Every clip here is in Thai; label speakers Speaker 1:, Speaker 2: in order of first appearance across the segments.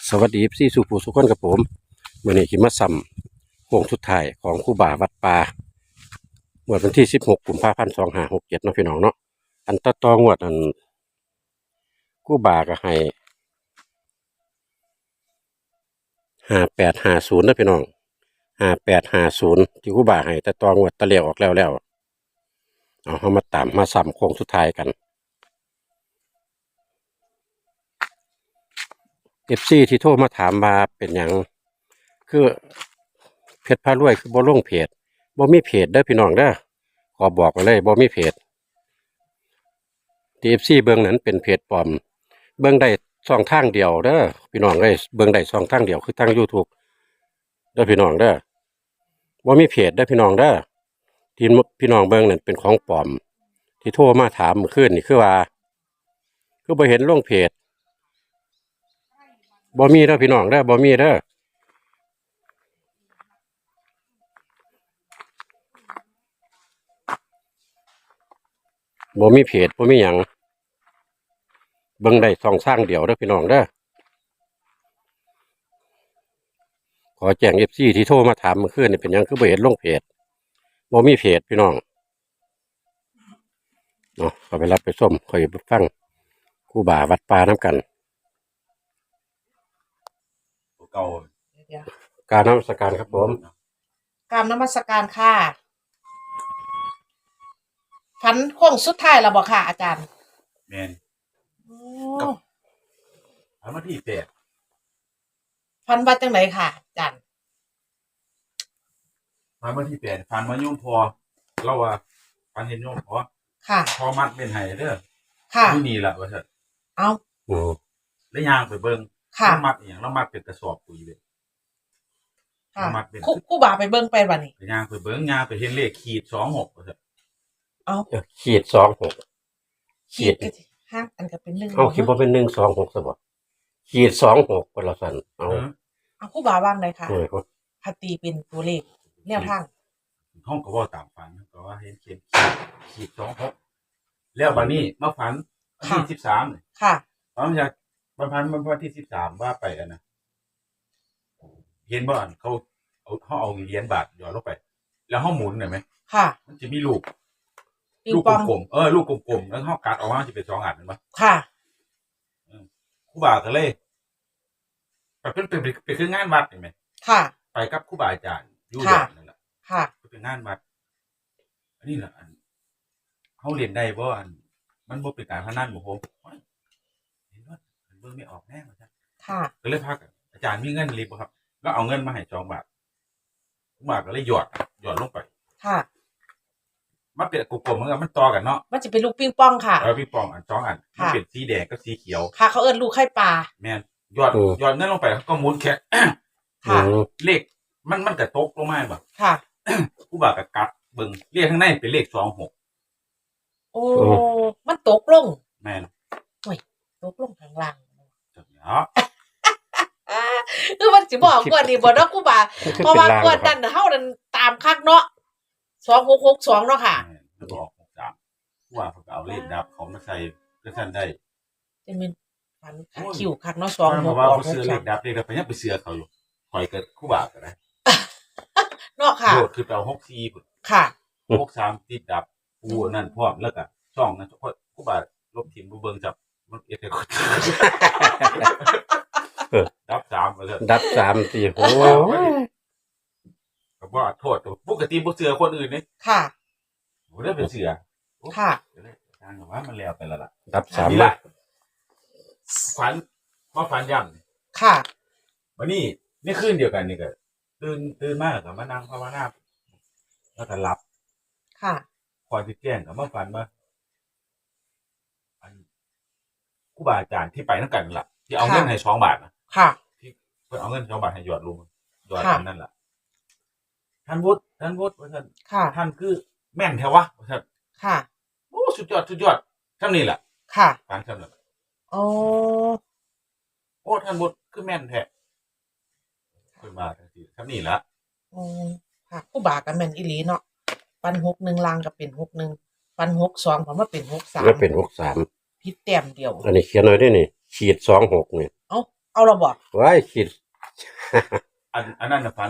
Speaker 1: สวัสดีพี่สุภูสุขคนกับผมมื่อนี้ขิมาซ้ำโค้งสุดท้ายของครูบาวัดป่าเมื่อวันที่16 กุมภาพันธ์2567เนาะพี่น้องเนาะอันตองวดอันครูบาก็ให้5850นะพี่น้อง5850ที่ครูบาให้ตองวดตะเลียวออกแล้วเอาเฮามาตามมาซ้ำโค้งสุดท้ายกัน FC ที่โทรมาถามมาเป็นอย่างคือเพจพารวยคือบ่ลงเพจบ่มีเพจเด้อพี่น้องเด้อขอบอกไว้เลยบ่มีเพจ TFC เบิ่งนั้นเป็นเพจปลอมเบิ่งได้ช่องทางเดียวเด้อพี่น้องเอ้ยเบิ่งได้ช่องทางเดียวคือทาง YouTube เด้อพี่น้องเด้อบ่มีเพจเด้อพี่น้องเด้อที่พี่น้องเบิ่งนั้นเป็นของปลอมที่โทรมาถามเมื่อคืนนี่คือว่าคือบ่เห็นลงเพจบ่มีเด้อพี่น้องเด้อบ่มีเด้อบ่มีเพจบ่มีหยังเบิ่งได้ช่องทางเดียวเด้อพี่น้องเด้อขอแจ้ง FC ที่โทรมาถามเมื่อคืนนี่เป็นหยังคือบ่เห็นลงเพจบ่มีเพจพี่น้องเนาะก็ไปรับไปส้มคอยไปฟังครูบาวัดป่าน้ำกัน
Speaker 2: เก่า
Speaker 3: เดี๋ยว
Speaker 1: การนมัสการครับผม
Speaker 3: กรารนมัสการค่ะฝันโค้งสุดท้ายแล้วบอกค่ะ อาจารย์
Speaker 2: แมน
Speaker 3: โอ้
Speaker 2: ทำมาที่แปด
Speaker 3: ฝันว่าจังไหนค่ะ อาจารย์
Speaker 2: ทำมาที่แปดฟันมาโยมพอเราว่าฟันเห็นโยมพอ
Speaker 3: ค่ะ
Speaker 2: พอมัดเป็นไห้เด้อ
Speaker 3: ค่ะ
Speaker 2: ที่นี่แหละว่าเถอะ
Speaker 3: เอา
Speaker 1: โอ้
Speaker 2: แล้วยางไปเบิ่ง
Speaker 3: ค่ะ
Speaker 2: เรามัดอย่างเรามัดเป็นกระสอบปุ๋ยเลย
Speaker 3: ค่ะ
Speaker 2: มัดเป็น
Speaker 3: คู่บ่าไปเบิ่งไปวันนี้
Speaker 2: ยางไปเบิ่งยางไปเห็นเลขขีด26ว่าเถอะ
Speaker 3: เอา
Speaker 1: ขีด26ขีด
Speaker 3: ก็สิห้าอันก็เป็นหนึ่ง
Speaker 1: เอาคิดว่าเป็น126ซะบ่ขีด26คนละสันเอา
Speaker 3: เอาคู่บ่าว่างเลยค่ะ
Speaker 1: โอ้ย
Speaker 3: พัตีเป็นตัวเลขแนวทาง
Speaker 2: ห้องก็ว่าตามฝันก็ว่าเห็นเขียนขีด26แล้วบัดนี้มาฝันวันที่13เนี่ย
Speaker 3: ค่ะ
Speaker 2: ตอนจากวันที่13ว่าไปอันนะเห็นบ่อันเขาเอาเหรียญบาทหยอดลงไป แล้วห้องหมุนเห็นไหม
Speaker 3: ค่ะ
Speaker 2: มันจะมีลูก
Speaker 3: ปิง
Speaker 2: ลูก
Speaker 3: ปอง
Speaker 2: กลมๆลูกกลมๆแล้วเขากัดออกมาจะเป็น2 อันเห็นปะ
Speaker 3: ค่ะ
Speaker 2: ครูบาก็เลยไปเป็นคืองานวัดเห็นไหม
Speaker 3: ค่ะ
Speaker 2: ไปกับครูบาอาจารย์อยู่
Speaker 3: ค่ะ
Speaker 2: แบบนั่นแหละ
Speaker 3: ค่ะ
Speaker 2: เป็นงานวัดอันนี้แหละอันเขาเรียนได้บ่อันมันบ่เป็นการพนันบ่โหเห็นว่าเบิ่งไม่ออกแน่ว่าจ้ะ
Speaker 3: ค่ะ
Speaker 2: ก็เลยพักอาจารย์มีเงินรีบบ่ครับ แล้วเอาเงินมาให้2 บาทครูบาก็เลยหยอดลงไป
Speaker 3: ค่ะ
Speaker 2: มันเป็นกลมๆเหมือนกันมันต่อกันเนาะ
Speaker 3: มันจะเป็นลูกปิงปองค่ะ
Speaker 2: พี่ปองอัน2 อันมัน
Speaker 3: ค่ะ
Speaker 2: เป็นสีแดงกับสีเขียว
Speaker 3: ค่ะ เขาเอิ้นลูกไข่ปลา
Speaker 2: แม่นหยอดเงินลงไปแล้วก็หมุนแค่
Speaker 3: ค่ะ
Speaker 2: เลขมันก็ตกลงมาบ่
Speaker 3: ค่ะ
Speaker 2: ครูบาก็กัดเบิ่งเลขข้างในเป็นเลข26
Speaker 3: โอ้ มันตกลง
Speaker 2: แม่น
Speaker 3: ตกลงข้างล่าง
Speaker 2: จังเนาะ
Speaker 3: คือมันสิบอกกว่านี่บ่เนาะกูบ่า
Speaker 1: คือ
Speaker 3: เพราะ
Speaker 1: เป็น
Speaker 3: ว่า
Speaker 1: ลาง
Speaker 3: กว่านั้นเฮานั่นตามคักเนาะ2662เนาะค่ะ
Speaker 2: แล้วก็ออก63ครูบาเพิ่นก็เอาเลขดับเขามาใส่ก็ซั่นได้
Speaker 3: จะเป็นฝันคิวคักเนาะ
Speaker 2: เพราะว่าเขาซื้อเลข
Speaker 3: 2663
Speaker 2: ดับเลขดับไปยังไปเสือเขาอยู่ข่อยก็ครูบาก็ได้
Speaker 3: เนาะค่ะ
Speaker 2: โลดคือไปเอา64พุ่น
Speaker 3: ค่ะ
Speaker 2: 63ติดดับกูนั่นพร้อมแล้วก็ช่องนั้นครูบาลบทิมบ่เบิ่งจับมันเอ็ดให้คนดับ3ว่าซั่น
Speaker 1: ดับ3 4โอ้ย
Speaker 2: ก็บ่โทษปกติบ่เสือคนอื่นนี่
Speaker 3: ค่ะ
Speaker 2: บ่ได้เป็นเสือ
Speaker 3: ค่ะ
Speaker 2: ทางว่ามันแล้วไปแล้วล่ะ
Speaker 1: ดับ3
Speaker 2: นี่
Speaker 1: ละ
Speaker 2: ล่ะฝันมาฝันย่ำ
Speaker 3: ค่ะ
Speaker 2: วันนี้นี่คืนเดียวกันนี่ก็ตื่นมากกับมานั่งภาวนาแล้วก็หลับ
Speaker 3: ค่ะ
Speaker 2: คอยสิแจ้งกับมาฝันว่าอันครูบาอาจารย์ที่ไปนั่นกันนั่นล่ะที่เอาเงินให้2 บาทนะ
Speaker 3: ค่ะ
Speaker 2: เพื่อเอาเงิน2 บาทให้หยอดลุงหยอด
Speaker 3: ค่ะ
Speaker 2: อันนั่นล่ะท่านวุฒิว่าท่าน
Speaker 3: ค่ะ
Speaker 2: ท่านคือแม่นแท้วะว่าท่าน
Speaker 3: ค่ะ
Speaker 2: โอ้สุดยอดท่านนี่แหละ
Speaker 3: ค่ะ
Speaker 2: ฝันท่านนั่นล่ะ
Speaker 3: โอ้
Speaker 2: โอ้ท่านวุฒิคือแม่นแท้เพิ่นมาทังทีท่านนี่ล่ะ
Speaker 3: อืมค่ะกูบ่าก็แม่นอีหลีเนาะปัน61ลางก็เป็น61ปัน62ผมว่าเป็น
Speaker 1: แล้วเป็น
Speaker 3: 63ผิดแต้มเดียว
Speaker 1: 63อันนี้เขียนไว้ด้วยนี่ขีด26นี่
Speaker 3: เอ้าเอาละบ่
Speaker 1: ไว้ขีด
Speaker 2: อันนั้นน่ะฝัน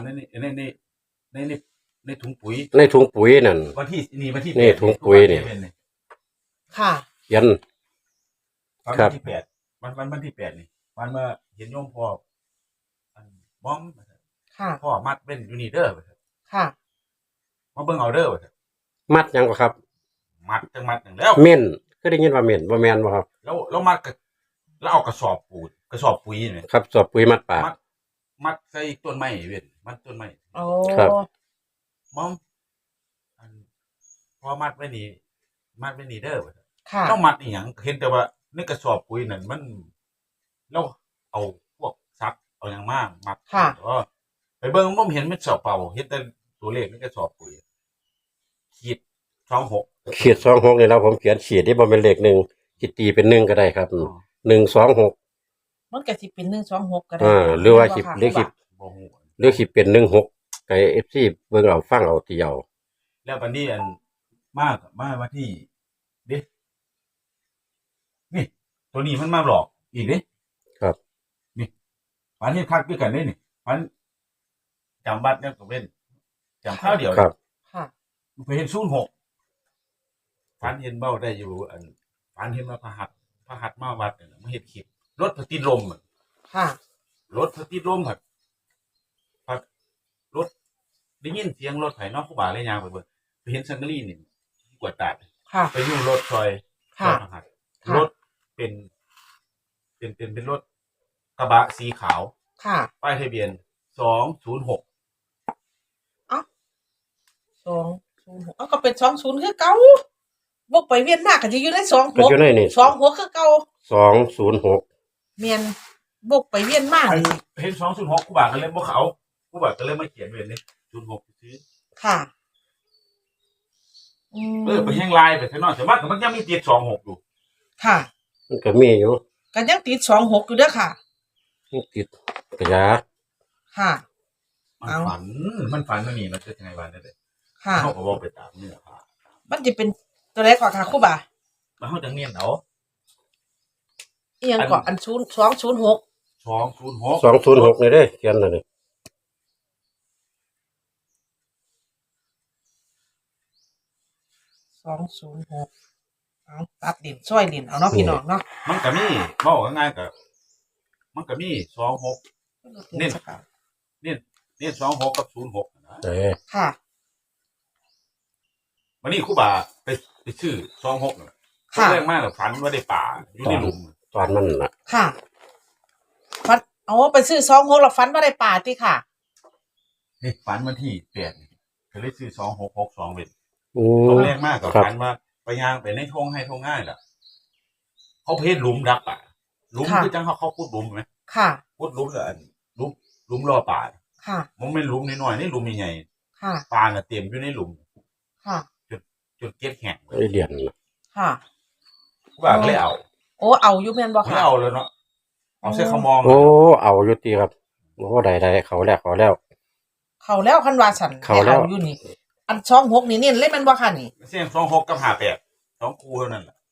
Speaker 2: ในถุงปุ๋ย
Speaker 1: ในถุงปุ๋ยนั่น
Speaker 2: วันที่วันที่
Speaker 1: นี่ถุงปุ๋ยนี่
Speaker 3: ค่ะ
Speaker 1: เขียน
Speaker 2: วัน
Speaker 1: ครับ
Speaker 2: ที่8วันที่8นี่วันมาเห็นโยมพ่ออันบ้อง
Speaker 3: ค่ะ
Speaker 2: พ่อมัดเป็นอยู่นี่เด้อ
Speaker 3: ค่ะ
Speaker 2: มาเบิ่งเอาเด้อ
Speaker 1: มัดหยังบ่ครับ
Speaker 2: มัดจังมัดหนึ่งแล้ว
Speaker 1: เม่นคือได้ยินว่าเม่นบ่แม่นบ่ครับ
Speaker 2: แล้วมัดกับแล้วเอากระสอบปุ๋ยนี่
Speaker 1: ครับสอบปุ๋ยมัดปาก
Speaker 2: มัดใส่ต้นไม้เว้นมัดต้นไม้
Speaker 3: โอ้
Speaker 1: ครับ
Speaker 2: มองอันพอมัดไว้นี่เด้อ
Speaker 3: ค่ะ
Speaker 2: ต้องมัดอีหยังเห็นแต่ว่าในกระสอบปุ๋ยนั่นมันเราเอาพวกซักเอาหยังมามัด
Speaker 3: ค่ะ
Speaker 2: ก็ไปเบิ่งบ่เห็นมันสอบเป่าเห็นแต่ตัวเลขในกระสอบปุ๋ยขีด26
Speaker 1: ขีด26นี่แล้วผมเขียนขีดที่บ่เป็นเลข1สิตีเป็น1ก็ได้ครับ126
Speaker 3: มันก็สิเป็น126ก็ได้
Speaker 1: หรือว่าสิ
Speaker 3: ค่ะ
Speaker 1: หรือสิ
Speaker 2: บ่ฮู้
Speaker 1: หรือสิเป็น16ก็ FC เบิ่งเอาฟังเอาเที่ยว
Speaker 2: แล้ววันนี้อันมาวันที่เด้นี่ ตัวนี้มันมาหลอกอีกเด้
Speaker 1: ครับ
Speaker 2: นี่ฝันเห็นคักด้วยกันเด้นี่ฝันจำบัตรเนี่ยก็เป็นจำข้าวเดียว
Speaker 1: ครับ
Speaker 3: ค่ะ
Speaker 2: ไปเห็น06ฝันเห็นเบ้าได้อยู่อันฝันเห็นว่าพระหัตถ์มาวัดเนี่ยมาเฮ็ดคลิปรถพระติดลมอะ
Speaker 3: ค่ะ
Speaker 2: รถพระติดลมครับพัดรถได้ยินเสียงรถไถเนาะครูบาเลยยางไปเบิ่งไปเห็นซังกะรีนี่กวดตาด
Speaker 3: ค่ะ
Speaker 2: ไปอยู่รถซอย
Speaker 3: ค่ะ
Speaker 2: พระหัตถ์
Speaker 3: ค่ะ
Speaker 2: รถเป็นรถกระบะสีขาว
Speaker 3: ค่ะ
Speaker 2: ป้ายทะเบียน206
Speaker 3: 206เอาก็เป็น20คือเก่าบกไปเวียนมากก็จะอยู่ใน
Speaker 1: ก็อยู่ในนี่
Speaker 3: 26คือเก่า
Speaker 1: 206
Speaker 3: แม่นบกไปเวียนมาก
Speaker 2: อัน
Speaker 3: นี่
Speaker 2: เห็น206กูบาก็เลยบ่เขากูบาก็เลยมาเขียนไว้เลย06ซื้อ
Speaker 3: ค่ะม
Speaker 2: ไปแห้งลายไปข้างนอกแต่ว่ามันยังมีติด26อยู่
Speaker 3: ค่ะ
Speaker 1: มันก็มีอยู่
Speaker 3: ก็ยังติด26อยู่เด้อค่ะ
Speaker 1: มันติดกระยา
Speaker 3: ค่ะ
Speaker 2: มัน
Speaker 3: เอา
Speaker 2: ฝันมันนี่มันจะยังไงวะเนี่ยเด้
Speaker 3: ค่ะ
Speaker 2: เฮาก็บ่ไปตามเนื้อผ้า
Speaker 3: มันจะเป็นตัวใดก่อนค่ะครูบา
Speaker 2: แล้วเฮาจังเนียนเอา
Speaker 3: อีหยังก่อนอัน206
Speaker 2: 206
Speaker 1: 206นี่เด้เขียนนั่นนี่
Speaker 3: 206เอาตัดดินช่วยดินเอาเนาะพี่น้องเนาะ
Speaker 2: มันก็มีเว้าง่ายๆก็มันก็มี26นี่26กับ06นะ
Speaker 3: ค่ะ
Speaker 2: วันนี้ครูบาไปชื่อ26น่ะ
Speaker 3: ค่ะ
Speaker 2: เรื่องมากกับฝันว่าได้ป่าอยู่ในหลุม
Speaker 1: ตอนมันน่ะ
Speaker 3: ค่ะฟันเอาไปซื้อ26แล้วฟันว่าได้ป่าติค่ะ
Speaker 2: นี่ฝันวันที่8นี่ก็เลยซื้อ2662เป็น
Speaker 1: อื
Speaker 2: ต
Speaker 1: ม
Speaker 2: แรกมากกับ
Speaker 1: ครับ
Speaker 2: ฝันว่าไปย่างไปในทงให้ทงง่ายล่ะเขาเพชรหลุมดักป่าหลุม
Speaker 3: ค่ะ
Speaker 2: คือจังเขาพูดหลุมไหม
Speaker 3: ค่ะ
Speaker 2: พูดหลุมกับอันหลุมรอป่า
Speaker 3: ค่ะ
Speaker 2: มันไม่หลุมน้อยๆนี่หลุมใหญ่
Speaker 3: ค่ะ
Speaker 2: ๆปลาน่ะเต็มอยู่ในหลุม
Speaker 3: ค่ะ
Speaker 2: จนเก็บแห้ง
Speaker 1: ไอเดียนน่ะ
Speaker 3: ค่ะ
Speaker 2: ครูบาก็เลยเอา
Speaker 3: โอ้เอาอยู่แม่นบ่
Speaker 2: ไม่
Speaker 3: ค่ะ
Speaker 2: เอาเลยเนาะเอาเส้นขมอง
Speaker 1: โอ้เอาอยู่ติครับโอ้ได้เขาแล้ว
Speaker 3: เขาแล้วคันว่าฉัน
Speaker 1: เข้าแล้ว
Speaker 3: ให้อยู่นี่ อัน26นี่เน้นเลยแม่นบ่ค่ะนี่
Speaker 2: เส้น26กับ58 2คู่เท่านั้นแหละ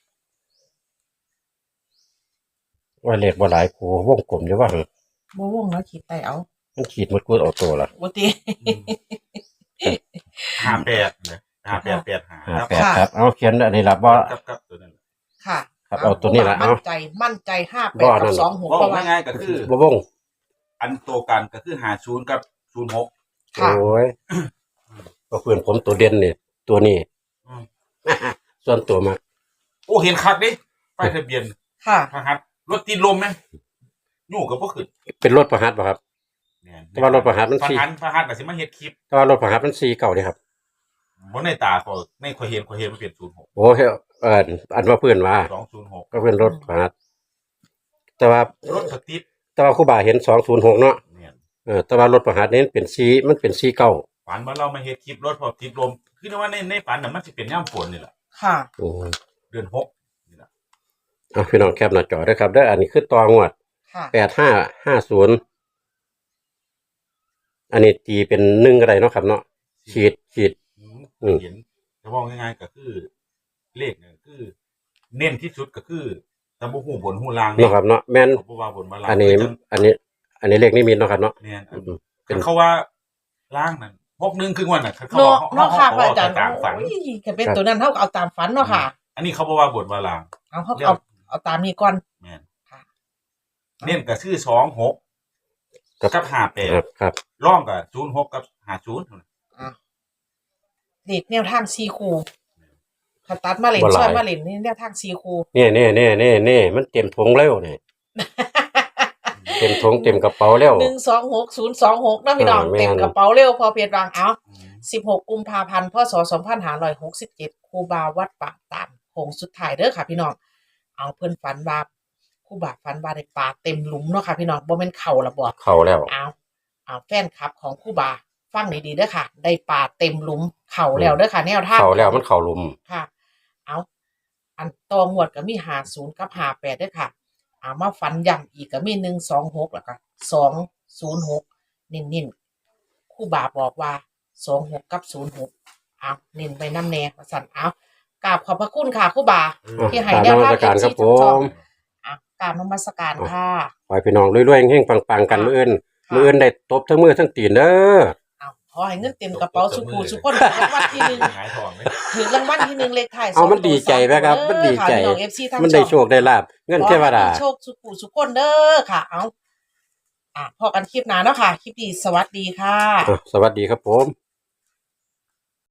Speaker 1: ว่าเลขบ่หลายคู่วงกลมอยู่ว่าหั่น
Speaker 3: บ่วงแล้วขีดใต้เอา
Speaker 1: มันขีดหมดกูเอาตัวละ
Speaker 3: บ่ติ
Speaker 2: 58เลย5885
Speaker 1: 58ครับเอาเขียนอันนี้ล่ะบ่
Speaker 2: กับตัวนั้น
Speaker 3: ค่ะ
Speaker 1: ครับเอาตัวนี้ล่ะเอา
Speaker 3: มั่นใจ58
Speaker 1: บ่
Speaker 3: กั
Speaker 1: นั่
Speaker 3: บ
Speaker 1: น
Speaker 3: 26
Speaker 2: ว่า
Speaker 3: เพราะว่า
Speaker 2: ง่ายๆก็คือ
Speaker 1: บ่วง
Speaker 2: อันโตวกันก็คือ50กับ06
Speaker 3: ค่ะ
Speaker 1: โอ้ยก็เพื่อนผมตัวเด่นนี่ตัวนี้
Speaker 2: อืม
Speaker 1: ส่วนตัวมาก
Speaker 2: โอ้เห็นคักดิป้ายทะเบียน
Speaker 3: ค่ะ
Speaker 2: พระหัตถ์รถติดลมไหมอยู่กับบ่ขึ้น
Speaker 1: เป็นรถประหัตบ่ครับ
Speaker 2: เนี่ย
Speaker 1: แต่ว่ารถประหัตถ์มัน
Speaker 2: พระ
Speaker 1: สี่
Speaker 2: หัตถ์ก็สิมาเฮ็ดคลิป
Speaker 1: แต่ว่ารถประหัตถ์มัน4เก่าเด้ครับ
Speaker 2: บ่ในตาเขาในข่อยเห็นมันเป็น06
Speaker 1: โอ้ยอันว่าเพื่อนว่า
Speaker 2: 206
Speaker 1: ก็เป็นรถประหัตถ์แต่ว่าร
Speaker 2: ถก็ติด
Speaker 1: แต่ว่าครูบาเห็น206เนาะ
Speaker 2: เนี่ย
Speaker 1: แต่ว่ารถประหัตถ์นี่เป็น4มันเป็น4เก่า
Speaker 2: ฝันว่าเรามาเฮ็ดคลิปรถพอติดลมคือว่าในฝันน่ะมันสิเป็นยามฝนนี่แหละ
Speaker 3: ค่ะ
Speaker 1: โอ้ย
Speaker 2: เดือน6นี่ล่ะ
Speaker 1: เอาพี่น้องแคปหน้าจอด้วยครับเด้ออันนี้คือตองวด
Speaker 3: ค่ะ
Speaker 1: 8550อันนี้ตีเป็น1ก็ได้เนาะครับเนาะขีด อืม
Speaker 2: เห็นจะบอกง่ายๆก็คือเลขเนี่ยคือ เน้นที่สุดก็คือแต่บ่ฮู้บนฮู้ล่าง
Speaker 1: เนาะครับเนาะแม่น
Speaker 2: เขาบ่ว่าบนมาล่าง
Speaker 1: อันนี้อันนี้เลขนิมิตเนาะครับเนาะ
Speaker 2: แม่น
Speaker 1: อืม
Speaker 2: คันเขาว่าล่างนั่น61คือวันน่ะคันเขา
Speaker 3: เนาะ
Speaker 2: ว่า
Speaker 3: เนาะค่ะพระ
Speaker 2: เข
Speaker 3: อาจารย์
Speaker 2: ตามฝัน
Speaker 3: โอ้ยก็เป็นตัวนั้นเท่ากับเอาตามฝันเนาะค่ะ
Speaker 2: อันนี้เขาบ่ว่าบนมาล่าง
Speaker 3: เอาตามนี้ก่อน
Speaker 2: แม่น
Speaker 3: ค่ะ
Speaker 2: เน้นก็คือ26กับ
Speaker 1: ครับ
Speaker 2: 58
Speaker 1: ครับ
Speaker 2: ร่องก็06กับ50
Speaker 3: เด็กแนวทางซีคูถ้าตัดมาเล่น
Speaker 1: บ่หลาย
Speaker 3: ช่วยมาเล่นนี่แนวทางซีคู
Speaker 1: นี่มันเต็มถุงแล้วนี่ เต็มถุงเต็มกระเป๋าแล้ว
Speaker 3: 126 026นะพี่น้อง
Speaker 1: แม่น
Speaker 3: เต็มกระเป๋าเร็วพอเพจวางเอา16 กุมภาพันธ์พศ2567ครูบาวัดป่าตามโค้งสุดท้ายเด้อค่ะพี่น้องเอาเพิ่นฝันว่าครูบาฝันว่าได้ปลาเต็มหลุมเนาะค่ะพี่น้องบ่แม่นเข่าละบ่
Speaker 1: เข้าแล้ว
Speaker 3: เอาแฟนคลับของครูบาฟังดีๆเด้อค่ะ ได้ปลาเต็มหลุมเข่าแล้วเด้อค่ะแนวทาง
Speaker 1: เข้าแล้วมันเข้าหลุม
Speaker 3: ค่ะ เอาอันตองวดก็มี50กับ58เด้อค่ะเอามาฝันย้ำอีกก็มี126แล้วก็206นิ่นๆครูบาบอกว่า26กับ06เอาเน้นไปน้ำแน่ว่าซั่นเอากราบขอบพระคุณค่ะครูบา ที่ให้แนวทาง
Speaker 1: การครับผม
Speaker 3: กราบนมัสการค่ะ
Speaker 1: ขอให้พี่น้องรวยๆเฮงๆปังๆกันมื้ออื่นได้ตบทั้งมือทั้งตีนเด้อ
Speaker 3: เอาขอให้เงินเต็มกระเป๋าสุขูสุขคนถูกรางวัลที่หนึ่ง
Speaker 2: หงายทองเลย
Speaker 3: ถือรางวัลที่หนึ่งเลขท้าย
Speaker 1: เอามันดีใจไหมครับมันดีใจ
Speaker 3: ค่ะพี่น้อง FC ทั้ง
Speaker 1: มันได้โชคได้ลาบเงินเทวดา
Speaker 3: ขอให้มีโชคสุขูสุขคนเด้อค่ะ เอาพอกันคลิปหน้าเนาะค่ะ คลิปนี้สวัสดีค่ะ
Speaker 1: สวัสดีครับผม